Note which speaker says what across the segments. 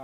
Speaker 1: ก้าน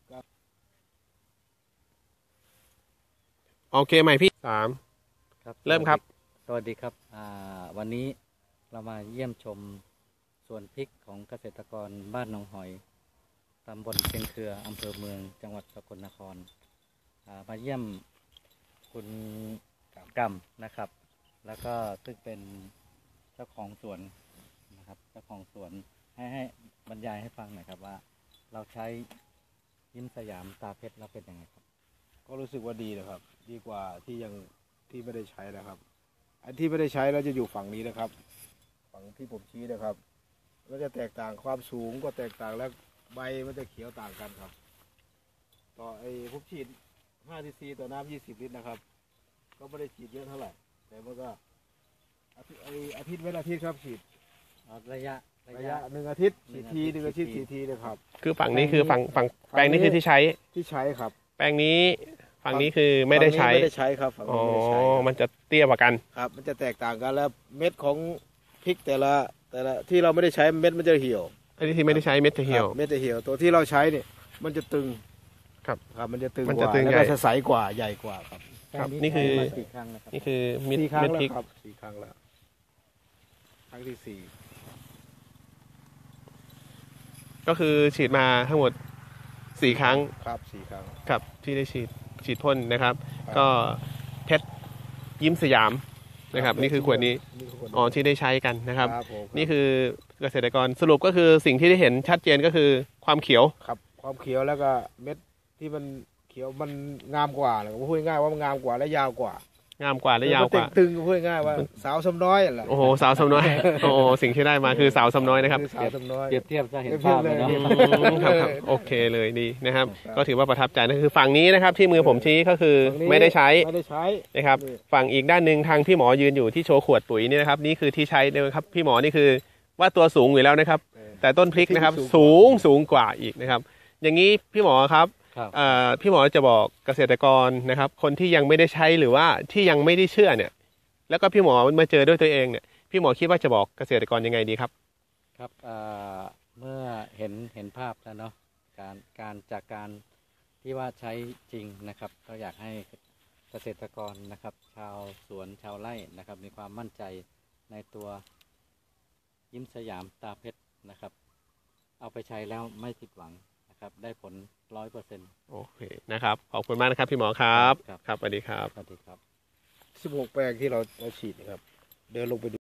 Speaker 2: โอเคใหม่พี่3
Speaker 3: ครับ
Speaker 2: เริ่มครับ
Speaker 3: สวัสดีครับวันนี้เรามาเยี่ยมชมสวนพริกของเกษตรกรบ้านหนองหอยตำบลเชียงเครืออำเภอเมืองจังหวัดสกลนครมาเยี่ยมคุณกำนะครับแล้วก็ซึ่งเป็นเจ้าของสวนนะครับเจ้าของสวนให้บรรยายให้ฟังหน่อยครับว่าเราใช้ยิ้มสยามตาเพชรแล้วเป็นยังไงครับ
Speaker 1: ก็รู้สึกว่าดีนะครับดีกว่าที่ไม่ได้ใช้นะครับอันที่ไม่ได้ใช้เราจะอยู่ฝั่งนี้นะครับฝั่งที่ผมชี้นะครับก็จะแตกต่างความสูงก็แตกต่างแล้วใบมันจะเขียวต่างกันครับต่อผมฉีด5 cc ต่อน้ำ20 ลิตรนะครับก็ไม่ได้ฉีดเยอะเท่าไหร่แต่มันก็อาทิตย์เว้นอาทิตย์ครับฉีด
Speaker 3: ระยะ
Speaker 1: 1 อาทิตย์ฉีดที1 อาทิตย์ฉีดทีนะครับ
Speaker 2: คือฝั่งนี้คือฝั่งแปลงนี้คือที่ใช้
Speaker 1: ครับ
Speaker 2: แปลงนี้ฝั่งนี้คือไม่ได้ใช้
Speaker 1: ครับฝั่ง
Speaker 2: อ๋อ
Speaker 1: นี้ไม่ได้ใช้
Speaker 2: มันจะเตี้ยกว่ากัน
Speaker 1: ครับมันจะแตกต่างกันแล้วเม็ดของพริกแต่ละที่เราไม่ได้ใช้เม็ดมันจะเหี่ยว
Speaker 2: อันนี้ที่ไม่ได้ใช้เม็ดจะเหี่ยว
Speaker 1: เม็ดจะเหี่ยวตัวที่เราใช้เนี่ยมันจะตึง
Speaker 2: ครับ
Speaker 1: มันจะตึง
Speaker 2: มัน
Speaker 1: ก
Speaker 2: จะ
Speaker 1: ว่า
Speaker 2: ตึง
Speaker 1: แล้ว
Speaker 2: ใหญ่
Speaker 1: ก็จะใสกว่าใหญ่กว่าครับ
Speaker 2: ครับนี่คือ
Speaker 3: กี่ครั้งนะครับ
Speaker 2: นี่คือเม็ด
Speaker 1: 4 ครั้ง
Speaker 2: เม็ด
Speaker 1: แล้ว
Speaker 2: พริก
Speaker 1: ครับ4 ครั้งแล้วครั้งที่4
Speaker 2: ก็คือฉีดมาทั้งหมด4 ครั้ง
Speaker 1: ครับ4 ครั้ง
Speaker 2: ครับที่ได้ฉีดพ่นนะครับก็เพชรยิ้มสยามนะครับนี่คือขวดนี้อ๋อที่ได้ใช้กันนะครับนี่คือเกษตรกรสรุปก็คือสิ่งที่ได้เห็นชัดเจนก็คือความเขียว
Speaker 1: ครับความเขียวแล้วก็เม็ดที่มันเขียวมันงามกว่าเลยพูดง่ายว่ามันงามกว่าและยาวกว่าง
Speaker 2: ามกว่าและยาวกว่า
Speaker 1: ตึงพูดง่ายว่าสาวสำน้อยแหละ
Speaker 2: โอ้โหสาวสำน้อยโอ้โหสิ่งที่ได้มาคือสาวสำน้อยนะครับ
Speaker 1: สาวสำน้อย
Speaker 3: เปรียบเทียบจะเห็นภาพเลยเนาะ
Speaker 2: ครับโอเคเลยดีนะครับก็ถือว่าประทับใจนั่นคือฝั่งนี้นะครับที่มือผมชี้ก็คือไม่ได้ใช้นะครับฝั่งอีกด้านหนึ่งทางพี่หมอยืนอยู่ที่โชว์ขวดปุ๋ยนี่นะครับนี่คือที่ใช้นะครับพี่หมอนี่คือว่าตัวสูงอยู่แล้วนะครับแต่ต้นพริกนะครับสูงกว่าอีกนะครับอย่างนี้พี่หมอครับพี่หมอจะบอกเกษตรกรนะครับคนที่ยังไม่ได้ใช้หรือว่าที่ยังไม่ได้เชื่อเนี่ยแล้วก็พี่หมอมาเจอด้วยตัวเองเนี่ยพี่หมอคิดว่าจะบอกเกษตรกรยังไงดีครับ
Speaker 3: ครับเมื่อเห็นภาพแล้วเนาะจากการที่ว่าใช้จริงนะครับก็อยากให้เกษตรกรนะครับชาวสวนชาวไร่นะครับมีความมั่นใจในตัวยิ้มสยามตาเพชรนะครับเอาไปใช้แล้วไม่ผิดหวังนะครับได้ผล 100%
Speaker 2: โอเคนะครับขอบคุณมากนะครับพี่หมอครับครับสวัสดีครับ
Speaker 3: สวัสดีครับ
Speaker 1: 16 แปลงที่เราฉีดนะครับเดินลงไปดู